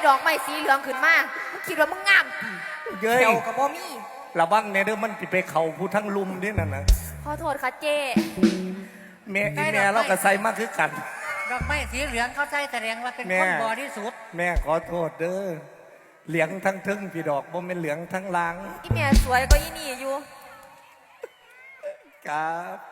ดอกไม้สีเหลืองขึ้นมามึงคิดว่ามึงงามเย้ยเขียวกับบ่มีระวังเนี่ยเด้อมันไปเข่าผู้ทั้งลุมนี่นั่นนะขอโทษค่ะเจ้แม่อีแม่เราก็ใส่มากคือกันดอกไม้สีเหลืองเขาใจแสดงว่าเป็นแม่คนบริสุทธิ์แม่ขอโทษเด้อเหลืองทั้งทึ่งพี่ดอกบ่เป็นเหลืองทั้งลางอีเมียสวยก็อีนี่อยู่ครับ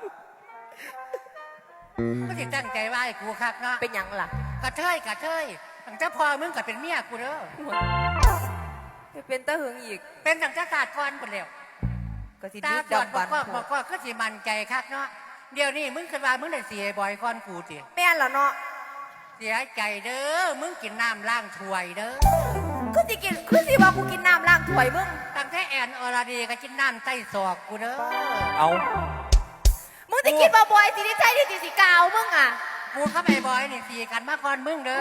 ก็จะตั้งใจว่าให้กูคักเนาะเป็นหยังล่ะกระเทยตั้งแต่พอมึงก็เป็นเมียกูเด้อไปเป็นตะหึงอีกเป็นตั้งแต่ศาสตร์ก่อนคนเดียวก็สิตาดึกบอดดำบบัอน กก็สิมันใจคักเนาะเดี๋ยวนี้มึงคิดว่ามึงได้เสียบ่อยก่อนกูจิแม่นแล้วเนาะเสียใจเด้อมึงกินน้ำล้างถ้วยเด้อคือสิว่ากูกินน้ำล้างถ้วยมึงตั้งแต่แอนอรดีก็กินน้ำใต้ศอกกูเด้อเอามึงจะคิดว่าบอยสิได้ใช่ที่สิกาวมึงอ่ะกูเข้าไปบ่อยนี่สีกันมาก่อนมึงเด้อ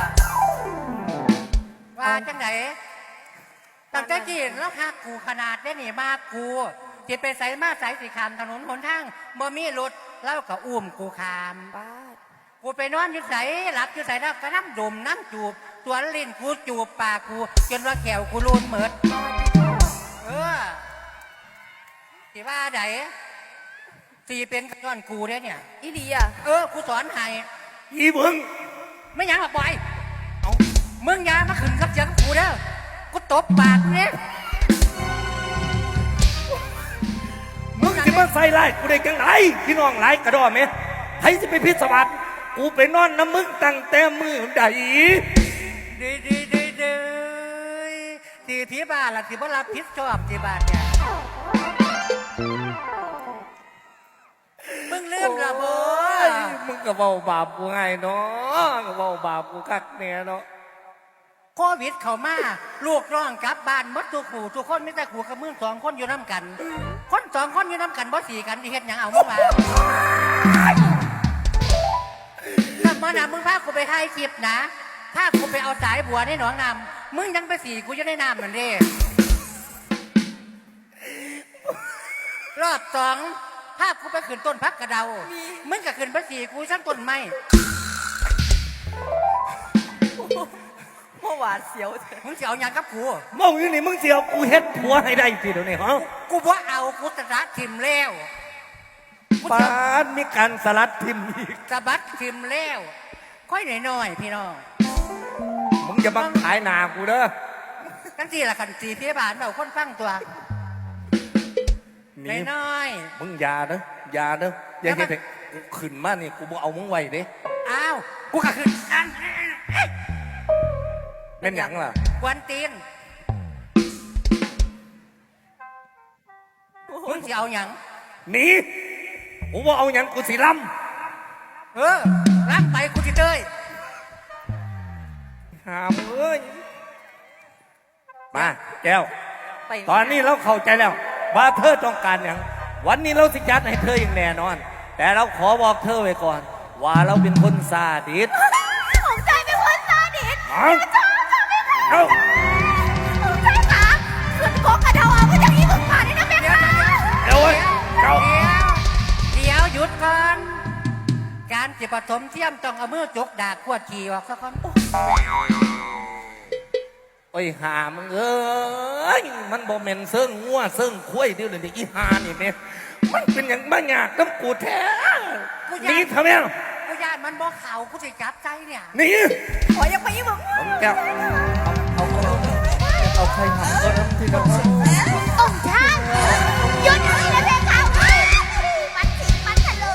ว่าจังไหนตั้งแต่กินแล้วคักกูขนาดได้หนีมากกูจิไปใส่มาใส่สีขามถนนหนทางบ่มีรถเล่ากับอุ้มกูขามบ้ากูไปนอนอยู่ใส่หลับอยู่ใส่แล้วก็น้ำดมน้ำจูบตัวลิ้นกูจูบปากกูจนว่าแขวกูรูนเหมิดเออสิว่าไหนสีเป็นก้อนกูเนี่ยอีหลีอ่ะกูสอนให้อีมึงไม่อยังหรอกบอยเอามึงอยามาขึ้นกับเสียงกูเด้อกูตบปากเนี่ยมึงจะมาใส่ไล่กูได้จังไหนพี่น้องหลายกระดอไหมใครจะไปพิศวาสกูไปนอนน้ำมึงตั้งแต่มือใดดีที่ที่บ้านล่ะที่บ้านรับผิดชอบที่บ้านเนี่ยมึงลืมละบ่มึงก็เบาบาปกูไงเนาะก็เบาบาปกูคักเนี่ยเนาะโควิดเข้ามาลูกน้องกลับบ้านหมดทุกคนไม่แต่ขู่กับมึงสองคนอยู่น้ำกัน คนสองคนอยู่น้ำกันบ่สีกันที่เฮ็ดหยังเอามึงมาถ้ามาหนามึงพากูไปถ่ายคลิปนะพากูไปเอาสายบัวในหนองน้ำมึงยังไปสีกูจะได้น้ำมันเด้รอบสองพากูไปขึ้นต้นพักกระเดามึงก็ขึ้นไปสีกูชั้นต้นไม้เมื่อวานเสียวมึงจะเอาหยังกับกูมองอยู่นี่มึงเสียวกูเฮ็ดผัวให้ได้สิเดี๋ยวนี้ฮะกูว่าเอากูตระทิมแล้วกูปาจะดมีการสลัดทิมอีกสะบัดทิมแล้วค่อยหน่อยๆพี่น้องมึงจะมาขายหนากูเด้อกันทีละขันสีพี่บานเราคนฟังตัวนี่น้อยมึงอยาเด้ออยาเด้ออย่าเฮ็ดให้กูขึ้นมานี่กูบ่เอามึงไว้เด้ๆอ้าวกูก็คืออันเป็นหยังล่ะกวนตีนมึงจะเอาหยังหนีกูบ่เอาหยังกูสิล้รับไปกูจะเต้ยำหามเอ้ยมาแก้วไปตอนนี้เราเข้าใจแล้ว ว่าเธอต้องการอย่างวันนี้เราสิจัดให้เธออย่างแน่นอน แต่เราขอบอกเธอไว้ก่อน ว่าเราเป็นคนซาดิสผมใจเป็นคนซาดิสเอาเอาผมใจขาขึ้นโกกระเดาเอาก็จะมีมึงผ่านนี่นะแม่ค่ะเดี๋ยวเว้ยเอาเดี๋ยวหยุดก่อนการจิปฐมเทียมต้องเอามือจกดากขวดขี่ออกสักคนโอ้ยหามึงเอ้ยมันบ่แม่นเสิ่งงัวเสิ่งคุ้ยเดี๋ยวนี้อีหานี่แม่มันเป็นอย่างบ้าหยากน้ำกูแท้หนีทำไมกูญาติมันบอกเขากูจะจับใจเนี่ยหนีขอยังไปมึงแก้วเอาใครทำก็ทำที่เราองค์ท่านหยุดนี่นะแม่ค่ะมันทิ้งมันทะเล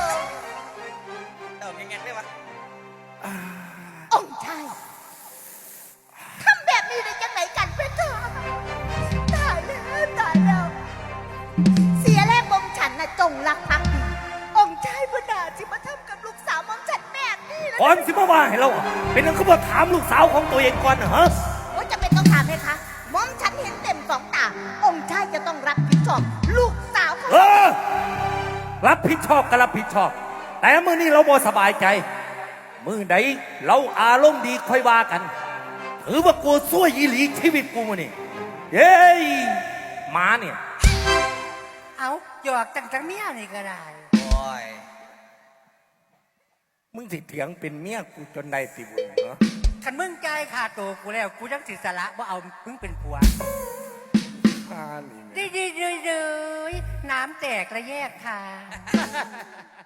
องค์ชายทำแบบนี้ได้ยังไงกันเพื่อนเธอตายแล้วเสียแรงมองฉันน่ะจงรักภักดีองค์ชายพระดาที่มาทำกับลูกสาวมองฉันแบบนี้นะก่อนสิมาว่าให้เราเป็นนักขบวนถามลูกสาวของตัวเองก่อนเหรอว่าจะเป็นต้องถามไหมคะมองฉันเห็นเต็มสองตาองค์ชายจะต้องรับผิดชอบลูกสาวของรับผิดชอบก็รับผิดชอบ แต่มื้อนี้เราบ่สบายใจ มื้อใดเราอารมณ์ดีค่อยว่ากันถือว่ากูซั่วยีหลีชีวิตกูมื้อนี้เย้ยหมาเนี่ยเอาหยอกจังเมียนี่ก็ได้มึงสิเถียงเป็นเมียกูจนได้สิบุญเหรอคันมึงใจายขาดตัวกูแล้วกูยังสิสละว่าเอามึงเป็นผัวพานี่แม่ดีน้ำแตกและแยกค่ะ